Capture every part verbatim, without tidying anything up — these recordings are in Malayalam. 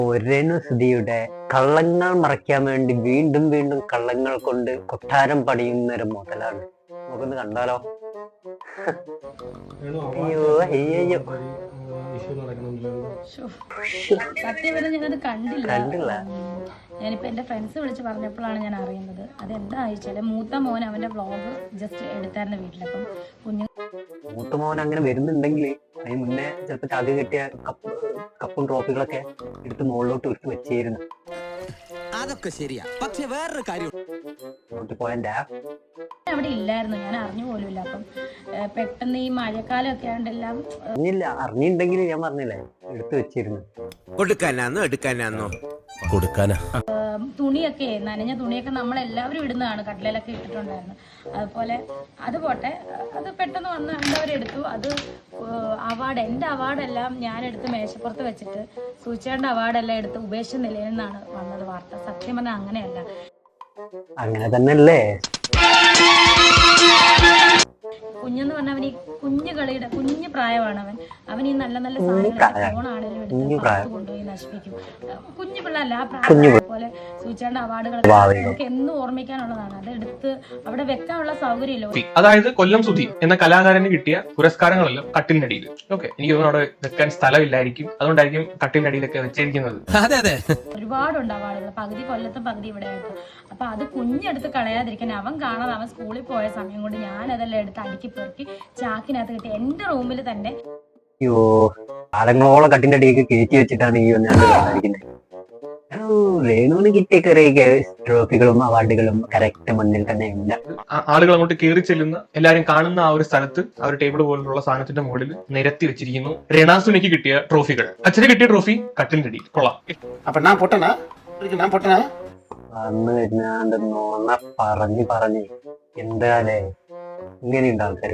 രേണുസുധിയുടെ കള്ളങ്ങൾ മറയ്ക്കാൻ വേണ്ടി വീണ്ടും വീണ്ടും കള്ളങ്ങൾ കൊണ്ട് കൊട്ടാരം പണിയുന്ന ഒരു മുതലാണ്. നമുക്കൊന്ന് കണ്ടാലോ? അയ്യോ അയ്യോ സത്യം പറഞ്ഞാൽ ഞാനത് കണ്ടില്ല കണ്ടില്ല ഞാനിപ്പോ എന്റെ ഫ്രണ്ട്സ് വിളിച്ച് പറഞ്ഞപ്പോഴാണ് ഞാൻ അറിയുന്നത്. അതെന്താ വെച്ചാല് മൂത്ത മോൻ അവന്റെ വ്ളോഗ് ജസ്റ്റ് എടുത്തായിരുന്നു വീട്ടിൽ. അപ്പം കുഞ്ഞു മൂത്ത മോൻ അങ്ങനെ വരുന്നുണ്ടെങ്കിൽ അതിന് മുന്നേ ചിലപ്പോ ചാകി കിട്ടിയ കപ്പ് കപ്പും ട്രോഫികളൊക്കെ എടുത്ത് മുകളിലോട്ട് എടുത്ത് വെച്ചിരുന്നു. അതൊക്കെ ശരിയാ, പക്ഷെ വേറൊരു കാര്യം പോയന്റെ അവിടെ ഇല്ലായിരുന്നു, ഞാൻ അറിഞ്ഞു പോലുമില്ല. അപ്പം പെട്ടെന്ന് ഈ മഴക്കാലം ഒക്കെ ആയതെല്ലാം അറിഞ്ഞില്ല. അറിഞ്ഞിട്ടുണ്ടെങ്കിൽ ഞാൻ പറഞ്ഞില്ലേ എടുത്ത് വെച്ചിരുന്നു. കൊടുക്കാനാന്നോ എടുക്കാനാന്നോ കൊടുക്കാനാ തുണിയൊക്കെ നനഞ്ഞ തുണിയൊക്കെ നമ്മളെല്ലാവരും ഇടുന്നതാണ്, കട്ടിലൊക്കെ ഇട്ടിട്ടുണ്ടായിരുന്നു. അതുപോലെ അത് പോട്ടെ, അത് പെട്ടെന്ന് വന്ന് അവരെടുത്തു. അത് അവാർഡ് എൻ്റെ അവാർഡെല്ലാം ഞാനെടുത്ത് മേശപ്പുറത്ത് വെച്ചിട്ട് സൂചിയുടെ അവാർഡെല്ലാം എടുത്ത് ഉപേക്ഷിച്ച നിലയിൽ നിന്നാണ് വന്നത് വാർത്ത. സത്യം പറഞ്ഞാൽ അങ്ങനെയല്ല, അങ്ങനെ തന്നെയല്ലേ. കുഞ്ഞെന്ന് പറഞ്ഞ അവൻ ഈ കുഞ്ഞു കളിയുടെ കുഞ്ഞു പ്രായമാണ്. അവൻ അവൻ ഈ നല്ല നല്ല സാധനങ്ങൾ ഫോണാണെങ്കിലും എടുത്ത് കൊണ്ടുപോയി നശിപ്പിക്കും. കുഞ്ഞു പിള്ളേരല്ല, ആ പ്രായം പോലെ സൂചിയുടെ അവാർഡുകളൊക്കെ നമുക്ക് എന്നും ഓർമ്മിക്കാനുള്ളതാണ്. അത് എടുത്ത് അവിടെ വെക്കാനുള്ള സൗകര്യമില്ല. അതായത് കൊല്ലം സുധി എന്ന കലാകാരന് കിട്ടിയ പുരസ്കാരങ്ങളെല്ലാം കട്ടിലിനടിയിൽ. ഓക്കെ, എനിക്ക് തോന്നുന്നു അവിടെ വെക്കാൻ സ്ഥലമില്ലായിരിക്കും, അതുകൊണ്ടായിരിക്കും കട്ടിലിനടിയിലൊക്കെ വെച്ചിരിക്കുന്നത്. ഒരുപാടുണ്ട് അവാർഡുകൾ, പകുതി കൊല്ലത്തും പകുതി ഇവിടെ ആയിട്ട്. അപ്പൊ അത് കുഞ്ഞെടുത്ത് കളയാതിരിക്കാൻ അവൻ കാണാതെ അവൻ സ്കൂളിൽ പോയ സമയം കൊണ്ട് ഞാൻ അതെല്ലാം എടുത്ത് അടുക്കി പെറുക്കി ചാക്കിനകത്ത് കിട്ടി എന്റെ റൂമിൽ തന്നെ. അയ്യോ, കാലങ്ങളോളം കട്ടിന്റെ അടിയൊക്കെ കയറ്റി വെച്ചിട്ടാണ് ഈ വന്നിരിക്കുന്നത്. രേണുവിന് കിട്ടിയ കുറെ ട്രോഫികളും അവാർഡുകളും കറക്റ്റ് മുന്നിൽ തന്നെ ഉണ്ട്. ആളുകൾ അങ്ങോട്ട് കയറി ചെല്ലുന്ന എല്ലാരും കാണുന്ന ആ ഒരു സ്ഥലത്ത് ആ ഒരു ടേബിൾ പോലുള്ള സാധനത്തിന്റെ മുകളിൽ നിരത്തി വെച്ചിരിക്കുന്നു രേണാസുനിക്ക് കിട്ടിയ ട്രോഫികൾ. അച്ഛന് കിട്ടിയ ട്രോഫി കട്ടിലിന്റെ അടിയിൽ. കൊള്ളാം. വന്ന് വരുന്നാണ്ട് നോണ പറഞ്ഞ് പറഞ്ഞ് എന്താലേ ഇങ്ങനെയുണ്ട് ആൾക്കാര്.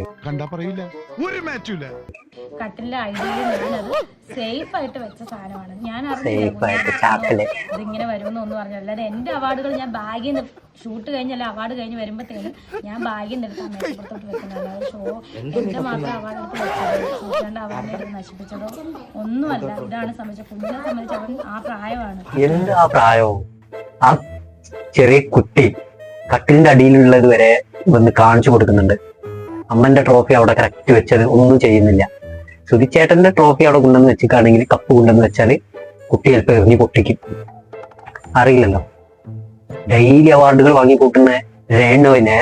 കട്ടിലിന്റെ ഐഡിയയിൽ ഞാനത് സേഫ് ആയിട്ട് വെച്ച സാധനമാണ്. ഞാൻ അറിഞ്ഞില്ല ഇതിങ്ങനെ വരുമെന്ന് ഒന്നും പറഞ്ഞില്ല. അല്ലാതെ എന്റെ അവാർഡുകൾ ഞാൻ ബാഗിൽ നിന്ന് ഷൂട്ട് കഴിഞ്ഞല്ല അവാർഡ് കഴിഞ്ഞ് വരുമ്പോഴത്തേനും ഞാൻ ബാഗിൽ നിന്ന് എടുത്ത് മേശപ്പുറത്തോട്ട് വെക്കുന്നത്. അല്ലാതെ ഷോ എന്റെ മാത്രം അവാർഡ് എടുത്ത് വെച്ചത് സൂചിയുടെ അവാർഡിനെ എടുത്ത് നശിപ്പിച്ചതോ ഒന്നുമല്ല. ഇതാണ് സംബന്ധിച്ച കുഞ്ഞിനെ സംബന്ധിച്ച് അവൻ ആ പ്രായമാണ്. എന്ത് ആ പ്രായവും ആ ചെറിയ കുട്ടി കട്ടിലിന്റെ അടിയിലുള്ളത് വരെ വന്ന് കാണിച്ചു കൊടുക്കുന്നുണ്ട്. അമ്മന്റെ ട്രോഫി അവിടെ കറക്റ്റ് വെച്ചത് ഒന്നും ചെയ്യുന്നില്ല. സുധിച്ചേട്ടന്റെ ട്രോഫി അവിടെ കൊണ്ടുവന്ന് വെച്ചിട്ടാണെങ്കിൽ കപ്പ് കൊണ്ടുവന്ന് വെച്ചാല് കുട്ടി ചിലപ്പോൾ എറിഞ്ഞ് പൊട്ടിക്കും. അറിയില്ലല്ലോ. ഡെയിലി അവാർഡുകൾ വാങ്ങിക്കൂട്ടുന്ന രേണുവിനെ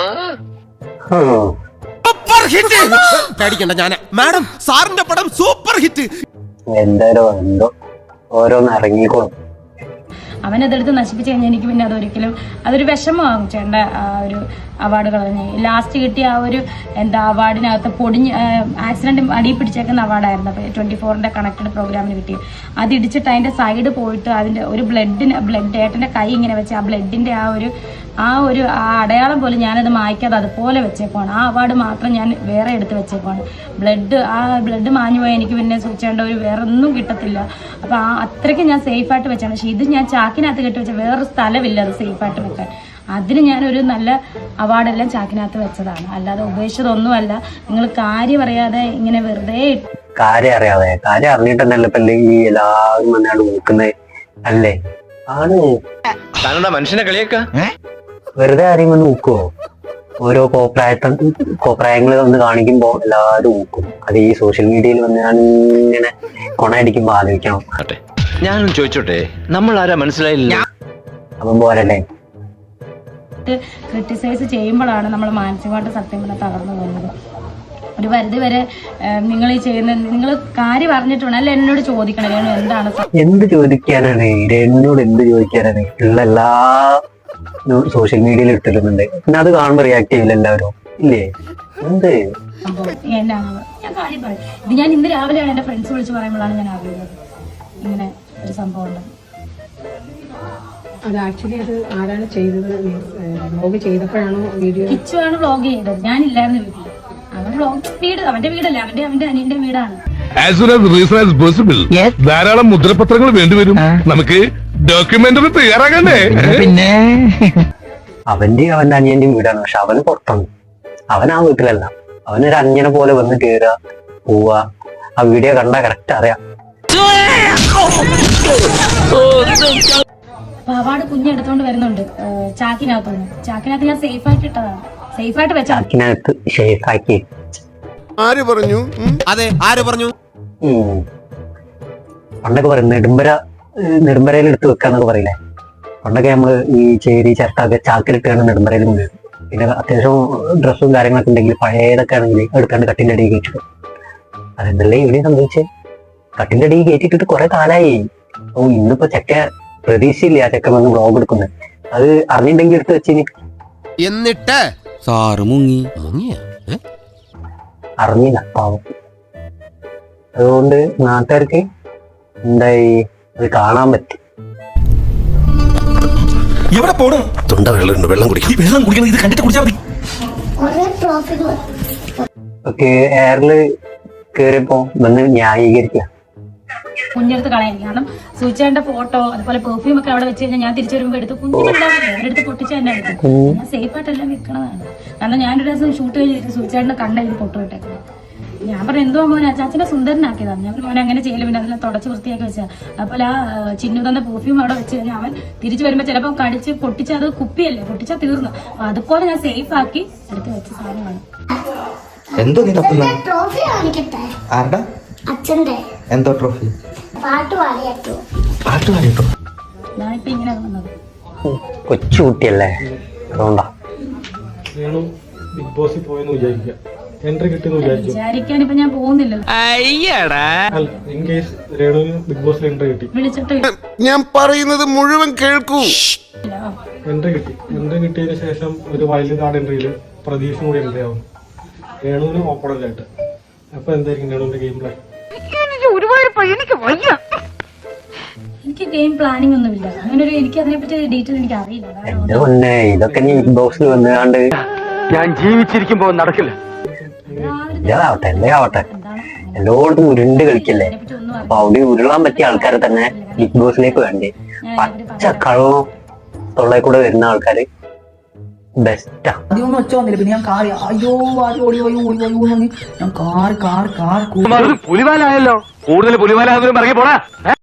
എന്തായാലും എന്തോ ഓരോന്ന് ഇറങ്ങിക്കോളും. അവനതെടുത്ത് നശിപ്പിച്ച് കഴിഞ്ഞാൽ എനിക്ക് പിന്നെ അതൊരിക്കലും അതൊരു വിഷമമാകും. ചേട്ടൻ്റെ ആ ഒരു അവാർഡ് കളഞ്ഞ് ലാസ്റ്റ് കിട്ടിയ ആ ഒരു എന്താ അവാർഡിനകത്ത് പൊടിഞ്ഞ് ആക്സിഡന്റ് അടിയിൽ പിടിച്ചേക്കുന്ന അവാർഡായിരുന്നു. അപ്പോൾ ട്വന്റി ഫോറിന്റെ കണക്റ്റഡ് പ്രോഗ്രാമിന് കിട്ടി. അത് ഇടിച്ചിട്ട് അതിന്റെ സൈഡ് പോയിട്ട് അതിന്റെ ഒരു ബ്ലഡിന് ബ്ലഡ് ഏട്ടന്റെ കൈ ഇങ്ങനെ വെച്ച് ആ ബ്ലഡിന്റെ ആ ഒരു ആ ഒരു ആ അടയാളം പോലും ഞാനത് മായ്ക്കാതെ അതുപോലെ വെച്ചേക്കുവാണ്. ആ അവാർഡ് മാത്രം ഞാൻ വേറെ എടുത്ത് വെച്ചേക്കുവാണ്. ബ്ലഡ് ആ ബ്ലഡ് മാഞ്ഞു പോയാൽ എനിക്ക് പിന്നെ സൂക്ഷിക്കേണ്ട ഒരു വേറെ ഒന്നും കിട്ടത്തില്ല. അപ്പോൾ ആ അത്രയ്ക്ക് ഞാൻ സേഫായിട്ട് വെച്ചാണ്. പക്ഷേ ഇത് ഞാൻ ചാക്കിനകത്ത് കെട്ടി വെച്ച വേറൊരു സ്ഥലമില്ല അത് സേഫായിട്ട് വെക്കാൻ. അതിന് ഞാനൊരു നല്ല അവാർഡെല്ലാം ചാക്കിനകത്ത് വെച്ചതാണ്, അല്ലാതെ ഉപേക്ഷിച്ചതൊന്നുമല്ല. നിങ്ങൾ കാര്യം അറിയാതെ ഇങ്ങനെ വെറുതെ കാര്യം അറിയാതെ കാര്യം അറിഞ്ഞിട്ടുണ്ടല്ലോ ഇപ്പൊ ഈ എല്ലാവരും വന്നാണ് നോക്കുന്നത് അല്ലേ? ആണ് മനുഷ്യനെ കളിയാക്ക വെറുതെ ആരെയും വന്ന് നോക്കുവോ? ഓരോ കോപ്രായത്ത കോപ്രായങ്ങൾ വന്ന് കാണിക്കുമ്പോ എല്ലാവരും നോക്കും. അത് ഈ സോഷ്യൽ മീഡിയയിൽ വന്ന് ഞാൻ ഇങ്ങനെ കൊണയടിക്കുമ്പോ ആലോചിക്കണം. ഞാനും ചോദിച്ചോട്ടെ, നമ്മൾ ആരാ മനസ്സിലായില്ല. അപ്പം പോരല്ലേ, ക്രിട്ടിസൈസ് ചെയ്യുമ്പോഴാണ് നമ്മൾ മാനസികമായിട്ട് സത്യം പറഞ്ഞാൽ തകർന്നു പോകുന്നത്. ഒരു പരിധി വരെ നിങ്ങൾ ഈ ചെയ്യുന്ന നിങ്ങൾ കാര്യം അറിഞ്ഞിട്ടുണ്ട് അല്ല എന്നോട് ചോദിക്കണം രേണു എന്താണ് എന്ത് ചോദിക്കാനാണ് രേണുനോട് എന്ത് ചോദിക്കാനാണ്? ഉള്ള എല്ലാ സോഷ്യൽ മീഡിയയിൽ ഇട്ടിരുന്നുണ്ട്. പിന്നെ അത് കാണുമ്പോൾ റിയാക്ട് ചെയ്യില്ല എല്ലാവരും ഇല്ലേ? എന്ത് എന്നാണ് ഞാൻ കാര്യം പറയും. ഇത് ഞാൻ ഇന്ന് രാവിലെയാണ് എന്റെ ഫ്രണ്ട്സ് വിളിച്ച് പറയുമ്പോഴാണ് ഞാൻ അറിയുന്നത് ഇങ്ങനെ ഒരു സംഭവം ഉണ്ട്. അത് ആക്ച്വലി അത് ആരാണ് ചെയ്തത്? Vlog ചെയ്തപ്പോഴാണോ video? കിച്ചു ആണ് വ്ലോഗ് ചെയ്തത്, ഞാനില്ലായിരുന്നു വീട്ടിൽ. അവൻ വ്ലോഗ് വീട് അവന്റെ വീടല്ലേ, അവന്റെ അവന്റെ അനിയന്റെ വീടാണ്. ധാരാളം മുദ്രപത്രങ്ങൾ വേണ്ടിവരും. നമുക്ക് ഡോക്യുമെന്ററി തയ്യാറാകണ്ടേ? പിന്നെ അവന്റെ അവന്റെ അനിയന്റെയും വീടാണ്, പക്ഷെ അവന് പുറത്താണ്. അവൻ ആ വീട്ടിലല്ല. അവനൊരു അന്യനെ പോലെ വന്ന് കയറുക പോവുക. ആ വീഡിയോ കണ്ടാ കറക്റ്റ് അറിയാം. അപ്പൊ അവാർഡ് കുഞ്ഞെടുത്തോണ്ട് വരുന്നുണ്ട് ഏഹ് ചാക്കിനകത്തുനിന്ന്. ചാക്കിനകത്ത് ഞാൻ സേഫ് ആയിട്ട് ഇട്ടതാണ്, സേഫ് ആയിട്ട് വെച്ചാൽ ചാക്കിനകത്ത് ഷേഫാക്കി. ആര് പറഞ്ഞു? അതെ ആര് പറഞ്ഞു? ഉം. പണ്ടൊക്കെ പറയും നെടുമ്പര നെടുമ്പരയിൽ എടുത്ത് വെക്കാന്നൊക്കെ പറയില്ലേ. പണ്ടൊക്കെ നമ്മള് ഈ ചേരി ചിരട്ടൊക്കെ ചാക്കിലിട്ടാണ് നെടുമ്പരയിൽ കൊണ്ടുവരും. പിന്നെ അത്യാവശ്യം ഡ്രസ്സും കാര്യങ്ങളൊക്കെ ഉണ്ടെങ്കിൽ പഴയതൊക്കെ ആണെങ്കിൽ എടുക്കാണ്ട് കട്ടിന്റെ അടിയിൽ കയറ്റിടും. അതെന്തല്ലേ ഇവിടെ സംഭവിച്ചേ? കട്ടിന്റെ അടിയിൽ കയറ്റിട്ടിട്ട് കുറെ കാലായി. ഓ ഇന്നിപ്പോ ചെക്ക പ്രതീക്ഷയില്ല ആ ചെക്കൻ വന്ന് വ്ളോഗ് എടുക്കുന്നത്. അത് അറിഞ്ഞിട്ടുണ്ടെങ്കിൽ എടുത്ത് വെച്ചിന്. എന്നിട്ട് സാറ് മുങ്ങി മുങ്ങിയ അറിഞ്ഞില്ല പാവം. അതുകൊണ്ട് നാട്ടുകാർക്ക് എന്തായി അത് കാണാൻ പറ്റി. എവിടെ പോണു? തൊണ്ട വെള്ളം വെള്ളം കുടിക്കും. ഈ വെള്ളം കുടിക്കണം, ഇത് കണ്ടിട്ട് കുടിച്ചാൽ മതി. ഒക്കെ എയറില് കേറിയപ്പോ വന്ന് ന്യായീകരിക്കുക. കുഞ്ഞെടുത്ത് കളയാൻ. കാരണം സൂചിച്ചേണ്ട ഫോട്ടോ അതുപോലെ പെർഫ്യൂം ഒക്കെ അവിടെ വെച്ച് കഴിഞ്ഞാൽ ഞാൻ തിരിച്ചു വരുമ്പോൾ എടുത്ത് കുഞ്ഞിനുണ്ടാവില്ല, അവരെടുത്ത് പൊട്ടിച്ച് തന്നെ എടുക്കും. ഞാൻ സേഫ് ആയിട്ടെല്ലാം വെക്കണതാണ്. കാരണം ഞാനൊരു ദിവസം ഷൂട്ട് കഴിഞ്ഞിട്ട് സൂചിച്ചേട്ടനെ കണ്ട ഇത് പൊട്ടു വിട്ടേക്കുന്നത്. ഞാൻ പറഞ്ഞു എന്തോ മോനെ അച്ചാച്ചനെ സുന്ദരനാക്കിയതാണ്. ഞാൻ മോനെ അങ്ങനെ ചെയ്യലും പിന്നെ അതെല്ലാം തുടച്ച് വൃത്തിയാക്കി വെച്ചാൽ. അപ്പോൾ ആ ചിന്നു തന്ന പെർഫ്യൂം അവിടെ വെച്ച് കഴിഞ്ഞാൽ അവൻ തിരിച്ചു വരുമ്പോൾ ചിലപ്പോൾ കടിച്ച് പൊട്ടിച്ച് അത് കുപ്പിയല്ലേ പൊട്ടിച്ചാൽ തീർന്നു. അപ്പൊ അതുപോലെ ഞാൻ സേഫ് ആക്കി എടുത്ത് വെച്ച സാധനമാണ്. എന്തോ നീ തപ്പുന്ന? ട്രോഫി കാണിക്കട്ടെ? ആരുടെ? അച്ഛന്റെ. എന്തോ ട്രോഫി? പാട്ട് പാടിയാട്ടോ. പാട്ട് പാടിട്ടോ? ഞാനിപ്പോ ഇങ്ങനെ വന്നത്. കൊച്ചു കുട്ടിയല്ലേ, അതുകൊണ്ടാ. ബിഗ് ബോസിൽ പോയെന്ന് വിചാരിക്കുക, എൻട്രി കിട്ടിയെന്ന് വിചാരിച്ചു. വിചാരിക്കാൻ ഇപ്പൊ ഞാൻ പോകുന്നില്ലല്ലോ. ഇൻ കേസ് രേണുവിന് ബിഗ് ബോസിൽ എൻട്രി കിട്ടി, വിളിച്ചിട്ട് ഞാൻ പറയുന്നത് മുഴുവൻ കേൾക്കൂ. എൻട്രി കിട്ടി. എൻട്രി കിട്ടിയതിന് ശേഷം ഒരു വൈൽഡ് കാർഡ് എൻട്രിയിൽ പ്രതീക്ഷ കൂടി എൻട്രി ആവുന്നു, രേണുവിന് ഓപ്പണന്റ് ആയിട്ട്. അപ്പൊ എന്തായിരിക്കും രേണുവിന്റെ ഗെയിം പ്ലാൻ? എനിക്ക് ഗെയിം പ്ലാനിങ് ഒന്നുമില്ല. അങ്ങനെ ഒരു എനിക്ക് അതിനെപ്പറ്റി ഡീറ്റെയിൽ എനിക്ക് അറിയില്ല. എന്റെ പൊന്നെ ഇതൊക്കെ നീ ബിഗ് ബോക്സിൽ വന്നുകാണ്ട് ഞാൻ ജീവിച്ചിരിക്കുമ്പോ നടക്കില്ല. ഇതാവട്ടെ എന്തേ ആവട്ടെ എല്ലായിടത്തും ഉരുണ്ട് കളിക്കല്ലേ. അപ്പൊ അവിടെ ഉരുളാൻ പറ്റിയ ആൾക്കാരെ തന്നെ ബിഗ് ബോസിലേക്ക് വേണ്ടേ. പച്ച കളവും തൊള്ളയിൽ കൂടെ വരുന്ന ആൾക്കാര് ബെസ്റ്റാ. അധികമൊന്നും ഒച്ച വന്നില്ല. പിന്നെ ഞാൻ കാറി അയ്യോ ആദ്യം ഓടി പോയി ഓടി പോയി ഞാൻ കാർ കാർ കാർ പുലിവാലായല്ലോ, കൂടുതൽ പുലിവാലാകുന്നതിനും ഇറങ്ങി പോടാ.